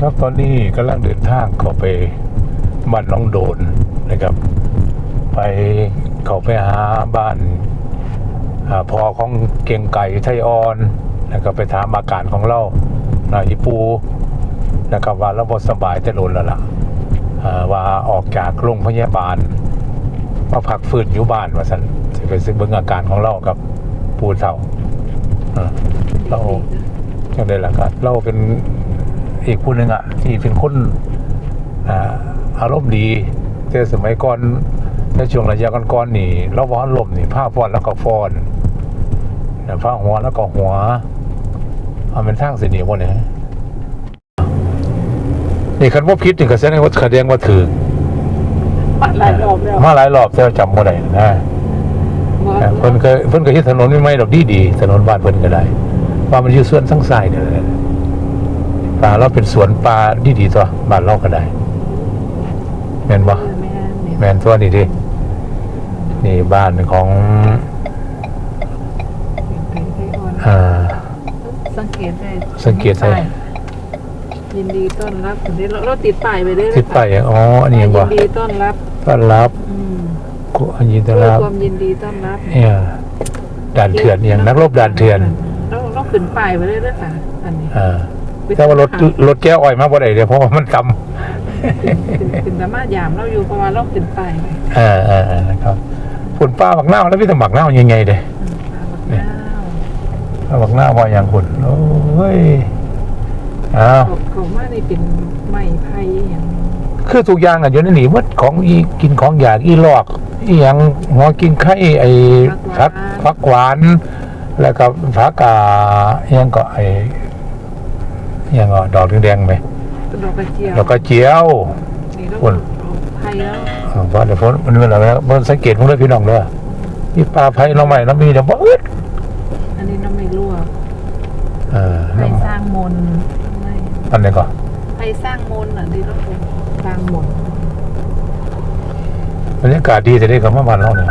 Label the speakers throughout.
Speaker 1: ครับตอนนี้กำลังเดินทางเข้าไปบ้านน้องโดนนะครับไปเข้าไปหาบ้านพ่อของเก่งไก่ไทยอ่อนนะครับไปถามอาการของเราอีปูนะครับว่าเราบ่สบายแต่โดนแล้วล่ะว่าออกจากโรงพยาบาลมาพักฟื้นอยู่บ้านว่าสันจะไปซื้อเบิ่งอาการของเรากับปูเฒ่าเราจังได้ละครับเราเป็นอีกผู้หนึ่งที่เป็นคนอารมณ์ดีแต่สมัยก่อนในช่วงระยะก่อนๆนี่เราว่าลมนี่ผ้าฟ้อนแล้วก็ฟ้อนผ้าหัวแล้วก็หัวเอาเป็นทางเสียหนีวะเนี่ยนี่คันว่าพิษนี่ก็แสดงว่าถือ
Speaker 2: มาหลายรอบแล้ว
Speaker 1: มาหลายรอบแต่จำบ่ได้นะเพิ่นก็เฮ็ดถนนไม่ไหมดอกดีถนนบ้านเพิ่นก็ได้ว่ามันอยู่ส่วนทั้งซ้ายนี่แหละป่าเราเป็นสวนป่าดีตัวบ้านเราก็ได้แม่นบ่แม่นตัวนี่ดินี่บ้านของ
Speaker 2: สังเกตได้ยินดีต้อนรับถึงได้เราติดป้ายไปได้
Speaker 1: ติดป้ายอ๋ออันนี้บ่
Speaker 2: ยินดีต้อนรับ
Speaker 1: กูยินดีต้อนรับ
Speaker 2: ความยินดีต้อนรับ
Speaker 1: เนี่ยด่านเถื่อนอย่างนักรบด่านเถื่อน
Speaker 2: เราขึ้นป้ายไปได้ด้วยค่ะอันนี้
Speaker 1: แต่ว่ารถแก้วอ้อยมาบ่ได้เดี๋ยวเพราะว่ามันต่ำ
Speaker 2: ถึงสามารถยามเราอยู่เพราะว่าเราขึ้นป้าย
Speaker 1: นะครับฝุ่นป้าบักหน้าแล้วพี่สมัครหน้ายังไงเด้ป้าบักหน้าว่าอย่างคุณโอ้ย
Speaker 2: ของมาในเป็นไม้ไผ่อย่าง
Speaker 1: คือทุกอย่างอยู่ในหนีวัดของอีกินของอยากอีหลอกอีอย่างหัวกินไข่ไอ้ผักหวานแล้วก็ผักยังก็ไอ้ยังก็ดอกแดงๆไหม
Speaker 2: ดอกกระเจียว
Speaker 1: คน
Speaker 2: ไผ่แล้ว
Speaker 1: เพราะเดี๋ยวฝนมันเป็นอะไรนะมันสังเกตพวกนี้พี่น้องเลยมีปลาไผ่เราใหม่เรามีแต่ว่า
Speaker 2: อันนี้น้ำไม่รั่วไผ่สร้างมน
Speaker 1: อันนี้ก็
Speaker 2: ไผ่สร้างมนที่เราสร้างมน
Speaker 1: บรรยากาศดีแต่ได้กับเมื่อวานเราเนี่ย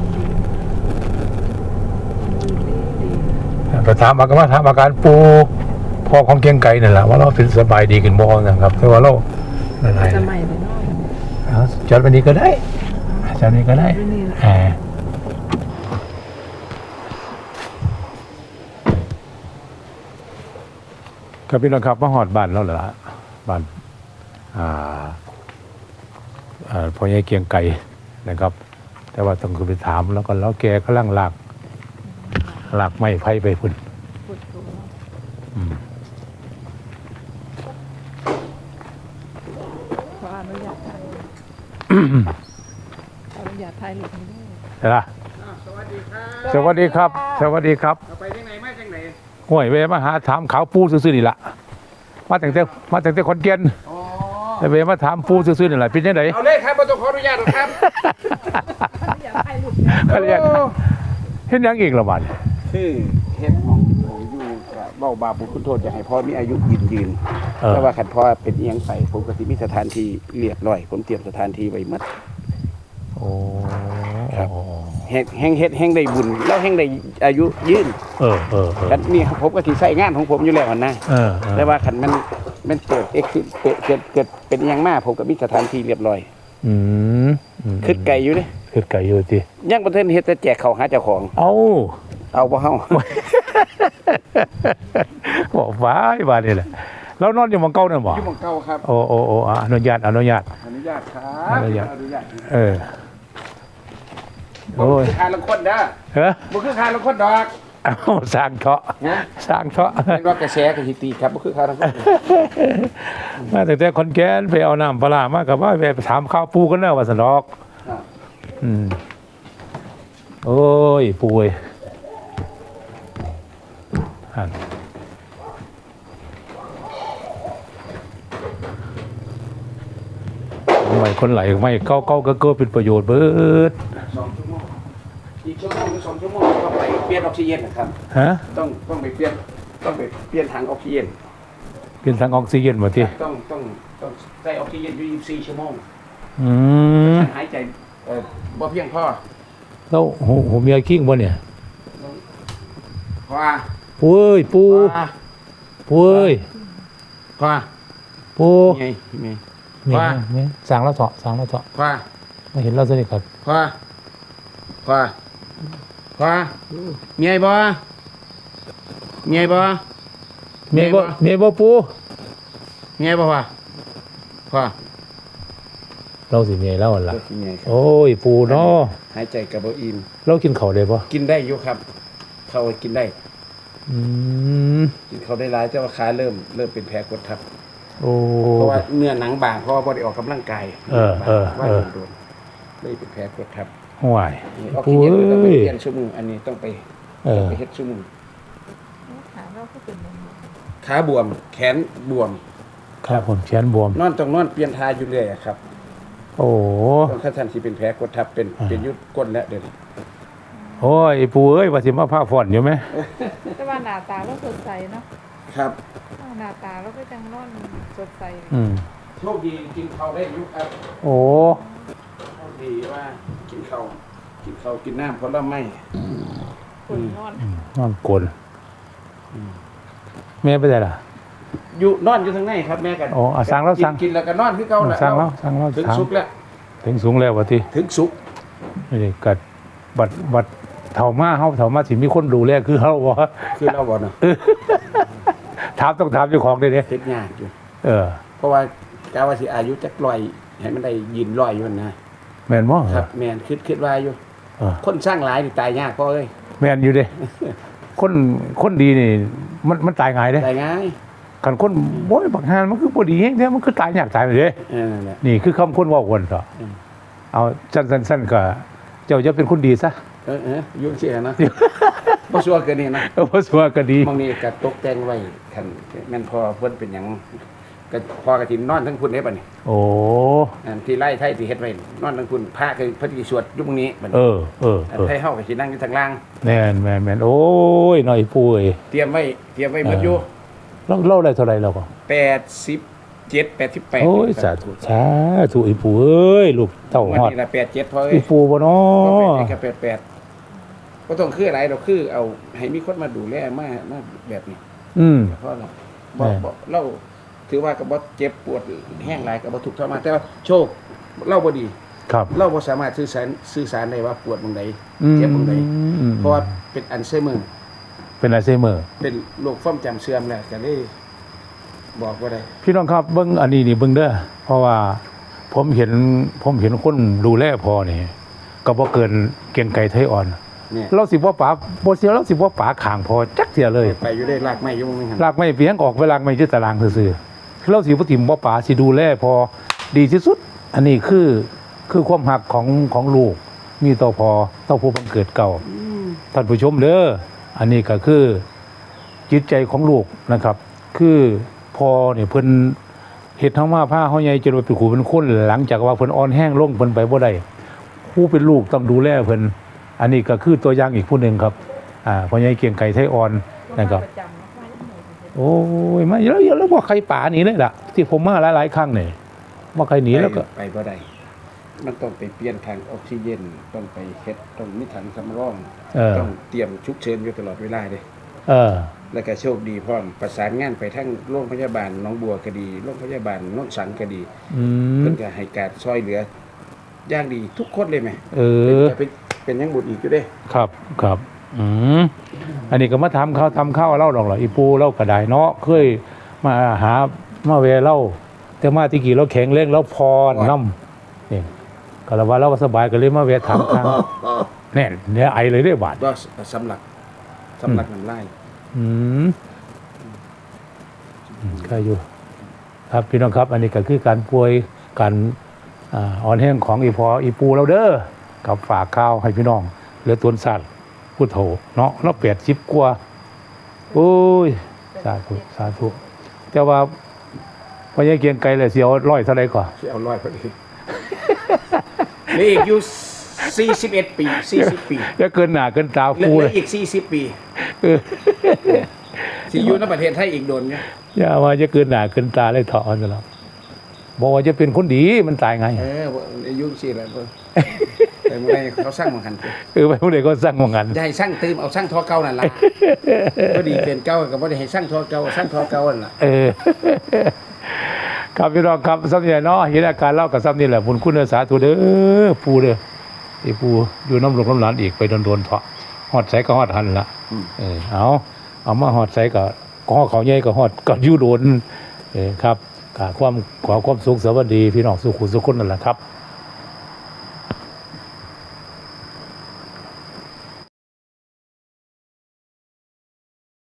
Speaker 1: ไปถามอาการปูพ่อของเกียงไก่นั่นแหละว่าเราเป็นสบายดีกันบ้างนะครับแต่ว่าเราอะไร
Speaker 2: จะใหม่ไปน้อย
Speaker 1: จัดวันนี้ก็ได้จัดวันนี้ก็ได้ครับพี่น้องครับมาหอดบ้านแล้วเหรอบ้านพ่อใหญ่เกียงไก่นะครับ แต่ว่าต้องไปถามแล้วก็แล้วแกก็ลังหลักไม้ไผ่ไปพุ่น
Speaker 2: ขออนุญาตถ่ายหลุดนี้ด้วย
Speaker 1: ใช่ไหมสวัสดีครับ
Speaker 3: ไปที่ไหนมาจากไหน
Speaker 1: ห่วยเวมาหาถามขาวปูซื่อๆนี่ละมาแต่คอนเกียนแต่เวมาถามปูซื่อๆนี่แหละเป็นยังไง
Speaker 3: เอาเลยครับต้องขออนุญาตครับ
Speaker 1: เขาเรียกเห็นยังอีกละบัด
Speaker 3: คือเฮ็ดของอยู่เบาบาบุญคุณโทษอยากให้พ่อมีอายุยืนแต่ว่าขันพ่อเป็นเอียงไปผมก็สิมีสถานที่เรียบร้อยผมเตรียมสถานที่ไว้หมด
Speaker 1: โอ้
Speaker 3: ครับแห่งได้บุญแล้วแห่งได้อายุยืนกันนี่ผมก็สิใส่งานของผมอยู่แล้วนะแต่ว่าขันมันเกิดเป็นอย่างมากผมก็มีสถานที่เรียบร้อยขึ้นไก่อยู่ดิ
Speaker 1: ขึ้นไก่อยู่ดิ
Speaker 3: ยังประเทศเฮ็ดแต่แจกเขาหาเจ้าของ
Speaker 1: เอา
Speaker 3: บ่เฮา
Speaker 1: บอกว้ายบ้านนี่แหละแล้วนอนอยู่หม้องเก่านั่นบ่
Speaker 3: อยู่หม้องเก่าครับ
Speaker 1: โอ้อนุญาต
Speaker 3: ครับอนุญาตโอ้ยคาลังคนเด้อบ่คือคาลังคนดอก
Speaker 1: สร้างเถาะ
Speaker 3: เป็นว่ากระแสกับฮิตีครับบ่คือคาลังคน
Speaker 1: มาแต่คนแก่นไปเอาน้ำปลามากับว่าไปถามข้าวปูกันเด้อว่าซั่นดอกโอ้ยปูเอ้ยไม่คนไหลไม่เก้าก็เป็นประโยชน์เบิด
Speaker 3: 2 ชั่วโมงอีกชั่วโมงหรือ2 ชั่วโมงต้องไปเปลี่ยนออกซิเจนนะครับต้องไปเปลี่ยนถังออกซิเจน
Speaker 1: เปลี่ยนถังออกซิเจนบ่ติ
Speaker 3: ต้องใส่ออกซิเจนอยู่24 ชั่วโมงหายใจบ่เพียงพอ
Speaker 1: แล้วผมมีกิ้งบ่เนี่ย
Speaker 3: ว่า
Speaker 1: ปูเอ้ยปูเอ้ย
Speaker 3: ว่า
Speaker 1: ปู
Speaker 3: ไงไง
Speaker 1: นี่
Speaker 3: ว่า
Speaker 1: นี่สั่งแล้วเถาะสั่งแล้วเถาะ
Speaker 3: คว้า
Speaker 1: ไม่เห็นเราสนิทครับ
Speaker 3: คว้าคว้าคว้ามีไอ้บ่มีไอ้บ่
Speaker 1: เมียบ่เมียบ่ปู
Speaker 3: มีไอ้บ่คว้าคว้า
Speaker 1: เราสิเมียเล่าหั่นล่ะ
Speaker 3: ก็คือไงครับ
Speaker 1: โอ้ยปูเนาะ
Speaker 3: หายใจกับบ่อิ่ม
Speaker 1: เรากินข้าวได้บ่
Speaker 3: กินได้อยู่ครับเขากินได้
Speaker 1: อืม
Speaker 3: กินเขาได้หลายแต่ว่าขาเริ่มเป็นแผลกดทับ
Speaker 1: โอ้
Speaker 3: เพราะว่าเนื้อหนังบางเพราะว่าบ่ได้ออกกำลังกาย ว่าโดนเลยเป็นแผลกดทับ
Speaker 1: ห่วย
Speaker 3: ออก
Speaker 1: ปู
Speaker 3: ซิเจนต้องไป
Speaker 1: เอ้ย
Speaker 3: เปลี่ยนชั่วโมงอันนี้ต้องไป
Speaker 1: เออ
Speaker 3: เฮ็ดชั่วโมง
Speaker 2: ขาเราก็เป็นอย่างนี้
Speaker 3: ขาบวม แขนบวม
Speaker 1: ครับผมแขนบวม
Speaker 3: นอนต้องนอนเปลี่ยนท่าอยู่เรื่อยอะครับ
Speaker 1: โอ้
Speaker 3: ต้องถ้าท่านสิเป็นแผลกดทับเป็นยุดก้นแล้วเดี๋ยวนี้
Speaker 1: โอ้ยปูเอ้ยว่าสิมาพาฝอนอยู่ไหม
Speaker 2: แต่ว่าหน้าตาเราสดใสเนาะ
Speaker 3: ครับ
Speaker 2: หน้าตาเราก็จังนอนสดใส
Speaker 1: อืม
Speaker 3: โชคดีกินข้าวได้อยุครับ
Speaker 1: โอ้
Speaker 3: โชคดีว่ากินข้าวกินน้ำเพราะเราไม่
Speaker 2: คนนอน
Speaker 1: นอนกลนแม่ไปไหนล่ะ
Speaker 3: อยู่นอนอยู่ทางในครับแม่กัน
Speaker 1: อ๋ออ่ะสั่งแล้วสั่ง
Speaker 3: กินแล้วก็นอนคือเก่าแหละ
Speaker 1: สั่งแล้วสั่งแล้ว
Speaker 3: ถึง
Speaker 1: สั่ง
Speaker 3: สุกแล้ว
Speaker 1: ถึงสูงแล้ววะที่
Speaker 3: ถึงสุก
Speaker 1: ไม่ได้กัดบัดเท่ามาสิมีคนดูแลคือเฮาบ่
Speaker 3: คือเราบ่เนาะ
Speaker 1: ถามต้องถามเจ้าของเด้เด้
Speaker 3: เฮ็ดยากอยู่
Speaker 1: เออ
Speaker 3: เพราะว่ากาว่าสิอายุจักร้อยให้มันได้ยืนร้อยอยู่นะ
Speaker 1: แม่นบ่
Speaker 3: ครับแม่นคิดว่าอยู่
Speaker 1: เออ
Speaker 3: คนสร้างหลายนี่ตายยากพ่อเอ้ย
Speaker 1: แม่นอยู่เด้คนดีนี่มันตายง่ายเด้
Speaker 3: ตายง่าย
Speaker 1: คันคนบ่บักหานมันคือบ่ดีแฮงแท้มันคือตายยากตายไปเด้
Speaker 3: นั่นแหละ
Speaker 1: นี่คือคำคนเว้าคนเถาะ
Speaker 3: อืม
Speaker 1: เอาสั้นๆก็เจ้าจะเป็นคนดีซะ
Speaker 3: ยุ่งเสียนะบ่ชัวร์เกินนี่นะ
Speaker 1: เพราะสัวก็ดี
Speaker 3: บางนี้ก็ตกแต่งไว้คันแม่นพอเพิ่นเป็นหยังก็พอกระถินนอนทั้งพุ่นเด้บัดนี้
Speaker 1: โอ้
Speaker 3: อันที่ไร่ไทยที่เฮ็ดไว้นอนทั้งพุ่นพระคือพระที่สวดอยู่ตรงนี้บัด
Speaker 1: เอ
Speaker 3: นี้
Speaker 1: อ
Speaker 3: ไทยเฮาก็สินั่งอยู่ทางล่าง
Speaker 1: แม่นโอ้ยน้อยปุ้ย
Speaker 3: เตรียมไว้หมดอยู่
Speaker 1: เล่าได้เท่าไหร่แล้วก็
Speaker 3: 87 88
Speaker 1: โอ้ยสาธุอีปู่เอ้ยลูกเต้า
Speaker 3: วัน
Speaker 1: ฮอด
Speaker 3: นี้ละ87พอเอ้
Speaker 1: อี
Speaker 3: ย
Speaker 1: ปู่บ่เนา
Speaker 3: ก็
Speaker 1: ะ
Speaker 3: เป็น88บ่ต้องคืออะไรดอกคือเอาให้มีคนมาดูแลมาแบบนี้
Speaker 1: อืม
Speaker 3: เพราะเรา
Speaker 1: แม่
Speaker 3: บอกเราถือว่าก็บ่เจ็บปวดแห้งหลายก็บ่ทุกข์ทรมานแต่ว่าโชคเราบ่ดี
Speaker 1: ครับ
Speaker 3: เราบ่สามารถสื่อสารได้ว่าปวดตรงใดเจ็บตรงใดเพราะว่าเป็นอัลไซเมอร์
Speaker 1: เป็นอัลไซเมอร์
Speaker 3: เป็นโรคความจำเสื่อมแล้วก็เลยบอกบ่ได้
Speaker 1: พี่น้องครับเบิ่งอันนี้นี่เบิ่งเด้อเพราะว่าผมเห็นคนดูแลพอนี่ก็บ่เกินเกียงไก่ไทยอ่อน
Speaker 3: เนี่ย
Speaker 1: เราสิบ่ป๋าบ่เสียเราสิบ่ป๋าข้างพอจักเสียเลย
Speaker 3: ไปอยู่ได้ลากไม้อยู่มึงหั่น
Speaker 1: ลากไม่เพียงออกเวลาไม่ยึดตารางซื่อๆเราสิบ่ถิ่มบ่ป๋าสิดูแลพอดีที่สุด อันนี้คือความหักของลูกมีต่อพอต่อผู้บังเกิดเก่า ท่านผู้ชมเด้ออันนี้ก็คือจิตใจของลูกนะครับ คือพอเนี่ยเพิ่นเฮ็ดทั้งมาผ้าเฮาใหญ่จนว่าเป็นขู่เป็นคนหลังจากว่าเพิ่นอ่อนแห้งลงเพิ่นไปบ่ได้ผู้เป็นลูกต้องดูแลเพิ่นอันนี้ก็คือตัวอย่างอีกผู้หนึงครับพ่อใหญ่เกียงไก่ไทยอ่อนนะครับ
Speaker 2: ประจำเนาะไม่ได้เหนื่อยเลย
Speaker 1: โอ้ยมาแล้วบ่ใครป่าหนีเลยล่ะ ที่ผมมาหลายๆครั้งนี่บ่ใครหนีแล้วก็
Speaker 3: ไปบ่ได้มันต้องไปเปลี่ยนถังออกซิเจนต้องไปเฮ็ดต้องมีถังสำรอง ต้องเตรียมฉุกเฉินอยู่ตลอดเวลาเด้
Speaker 1: เออ
Speaker 3: แล้วก็โชคดีพร้อมประสานงานไปทั้งโรงพยาบาลหนองบัวก็ดีโรงพยาบาลโนนสังก็ดี
Speaker 1: อืม
Speaker 3: เพิ่นก็ให้การช่วยเหลืออย่างดีทุกคนเลยแหม
Speaker 1: เออ
Speaker 3: จะเป็นยังบุญอีกอยู่เด้
Speaker 1: ครับอันนี้ก็มาทำข้าวเล่าดอกเหรออีปูเล่ากระไดเนาะเคยมาหามาเวเล่าแต่มาที่กี่เราแข็งแรงเราพรน้ำนี่ก็แล้วว่าเราก็สบายก็เลยมาเวทำครั้งแน่นเนี่ยไอเลยได้บาด
Speaker 3: ก็สำหรับน้ำลาย
Speaker 1: ใครอยู่ ครับพี่น้องครับ อันนี้ก็คือการป่วยการอ่อนแห้งของอีปูเราเด้อกับฝากข้าวให้พี่น้องเหลือตัวสัตว์พุทโธเนาะเรา80 กว่าโอ้ยสาธุแต่ว่าพอยังเกียงไกลเลยเสียวร้อยเท่าไรก่อน
Speaker 3: ที่เอาร้อยพอดีนี่อีกอยู่41 ปี40 ปี
Speaker 1: จะเกินหน้าเกินตา
Speaker 3: เหลื
Speaker 1: ฟู
Speaker 3: อ
Speaker 1: เลย
Speaker 3: อีก40 ปี
Speaker 1: เออ
Speaker 3: ที่อยู่ในประเทศไทยอีกโดนเนี่ย
Speaker 1: อย่าว่าจะเกินหน้าเกินตาเลยเถาะซะแล้วบอกว่าจะเป็นคนดีมันตายไง
Speaker 3: อายุสิแล้วแต่เมื่อไรเขาสร้างมังคัน
Speaker 1: ไปผู้ใดก็สร้างว่างั้น
Speaker 3: จะให้สร้างตื่มเอาสร้างทอเก่านั่นล่ะก็ดีเป็นเก่าก็บ่ได้ให้สร้างทอเก่าสร้างทอเก่านั่นล่ะ
Speaker 1: ครับพี่น้องครับซ้ำนี่เนาะเห็นอาการเล่ากับซ้ำนี่แหละบุญคุณสาธุเด้อปูเด้อที่ปูอยู่น้ำหลวงน้ำหลานอีกไปโดนๆเถาะฮอดใสก็ฮอดหันละเอามาฮอดใสก็ฮอดเขาใหญ่ก็ฮอดก็อยู่โดนครับขอความสุขสวัสดีพี่น้องสุขุสุขคนนั่นแหละครับ